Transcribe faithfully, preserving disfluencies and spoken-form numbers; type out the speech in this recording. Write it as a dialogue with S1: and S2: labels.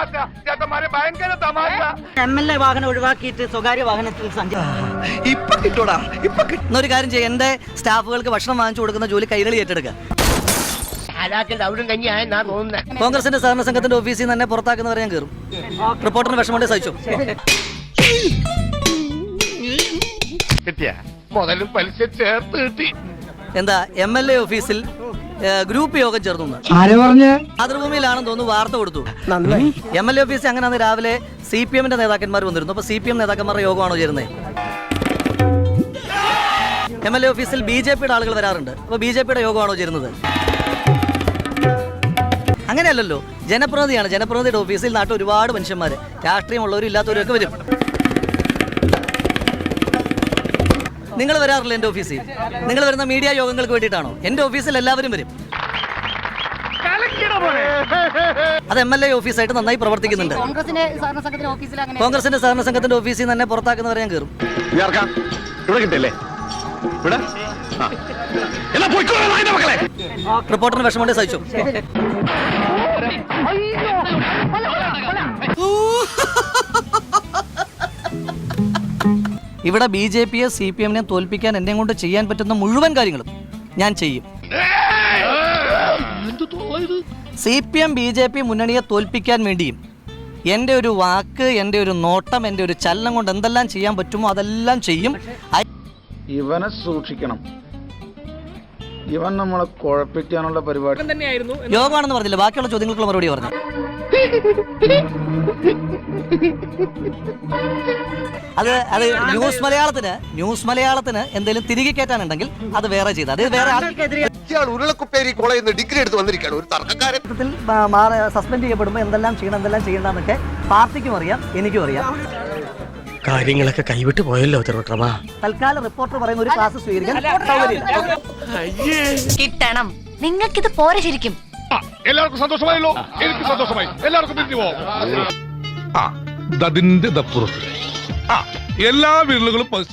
S1: M L A വാഹനം ഒഴിവാക്കിയിട്ട് സ്വകാര്യ വാഹനത്തിൽ സഞ്ചരിക്കും. ഒരു കാര്യം ചെയ്യും, എന്റെ സ്റ്റാഫുകൾക്ക് ഭക്ഷണം വാങ്ങിച്ചു കൊടുക്കുന്ന ജോലി കൈരളി ഏറ്റെടുക്കുക. കോൺഗ്രസിന്റെ സഹകരണ സംഘത്തിന്റെ ഓഫീസിൽ നിന്ന് തന്നെ പുറത്താക്കുന്നവരെ ഞാൻ കയറും. റിപ്പോർട്ടറിന് വിഷമമുണ്ട്, സഹിച്ചു.
S2: മുതലും പലിശ ചേർത്ത് കിട്ടി.
S1: എന്താ എം എൽ എ ഓഫീസിൽ ഗ്രൂപ്പ് യോഗം ചേർന്നു മാതൃഭൂമിയിലാണെന്ന് തോന്നുന്നു വാർത്ത കൊടുത്തു. എം എൽ എ ഓഫീസിൽ അങ്ങനെ രാവിലെ സി പി എമ്മിന്റെ നേതാക്കന്മാർ വന്നിരുന്നു. അപ്പൊ സി പി എം നേതാക്കന്മാരുടെ യോഗമാണോ ചേരുന്നത്? എം എൽ എ ഓഫീസിൽ ബി ജെ പിയുടെ ആളുകൾ വരാറുണ്ട്. അപ്പൊ ബി ജെ പിയുടെ യോഗമാണോ ചേരുന്നത്? അങ്ങനെയല്ലല്ലോ, ജനപ്രതിനിധിയാണ്. ജനപ്രതിനിധിയുടെ ഓഫീസിൽ നാട്ടിൽ ഒരുപാട് മനുഷ്യന്മാർ, രാഷ്ട്രീയമുള്ളവരും ഇല്ലാത്തവരും ഒക്കെ വരും. നിങ്ങൾ വരാറില്ല എൻ്റെ ഓഫീസിൽ? നിങ്ങൾ വരുന്ന മീഡിയ യോഗങ്ങൾക്ക് വേണ്ടിയിട്ടാണോ? എൻ്റെ ഓഫീസിൽ എല്ലാവരും വരും. അത് എം എൽ എ ഓഫീസായിട്ട് നന്നായി പ്രവർത്തിക്കുന്നുണ്ട്. കോൺഗ്രസിന്റെ സഹകരണ സംഘത്തിന്റെ ഓഫീസിൽ നിന്ന് തന്നെ പുറത്താക്കുന്നവരെ ഞാൻ കയറും. റിപ്പോർട്ടറിന് വിഷമമുണ്ട്, സഹിച്ചു. ഇവിടെ ബി ജെ പിയെ സി പി എമ്മിനെ തോൽപ്പിക്കാൻ എന്നെ കൊണ്ട് ചെയ്യാൻ പറ്റുന്ന മുഴുവൻ കാര്യങ്ങളും ഞാൻ ചെയ്യും. C P M B J P മുന്നണിയെ തോൽപ്പിക്കാൻ വേണ്ടിയും എൻ്റെ ഒരു വാക്ക്, എൻ്റെ ഒരു നോട്ടം, എൻ്റെ ഒരു ചലനം കൊണ്ട് എന്തെല്ലാം ചെയ്യാൻ പറ്റുമോ അതെല്ലാം ചെയ്യും.
S3: ഇവനെ സൂക്ഷിക്കണം, ഇവൻ നമ്മളെ കുഴപ്പിക്കാനുള്ള പരിപാടി തന്നെയായിരുന്നു.
S1: യോഗമാണെന്ന് പറഞ്ഞില്ല, ബാക്കിയുള്ള ചോദ്യങ്ങൾക്കുള്ള മറുപടി പറഞ്ഞു. അത് അത് ന്യൂസ് മലയാളത്തിന് ന്യൂസ് മലയാളത്തിന് എന്തെങ്കിലും തിരികെ കയറ്റാനുണ്ടെങ്കിൽ അത് വേറെ ചെയ്ത്, അത് വേറെ
S2: ഡിഗ്രി എടുത്ത് വന്നിരിക്കുകയാണ് ഒരു തർക്കക്കാരൻ.
S1: സസ്പെൻഡ് ചെയ്യപ്പെടുമ്പോൾ എന്തെല്ലാം ചെയ്യണം എന്തെല്ലാം ചെയ്യണമെന്നൊക്കെ പാർട്ടിക്കും അറിയാം, എനിക്കും അറിയാം.
S4: കാര്യങ്ങളൊക്കെ കൈവിട്ട് പോയല്ലോ തിരുവട്ടമാ.
S1: തൽക്കാലം റിപ്പോർട്ടർ പറയുന്ന ഒരു ക്ലാസ് സ്വീകരിക്കാൻ
S5: കിട്ടണം. നിങ്ങൾക്കിത് പോരെ ശരിക്കും.
S2: എല്ലാവർക്കും സന്തോഷമായല്ലോ? എനിക്ക് സന്തോഷമായി. എല്ലാവർക്കും പിരിഞ്ഞു പോവാം.
S6: അതിന്റെ ദപ്പുറത്ത് എല്ലാ വിരലുകളും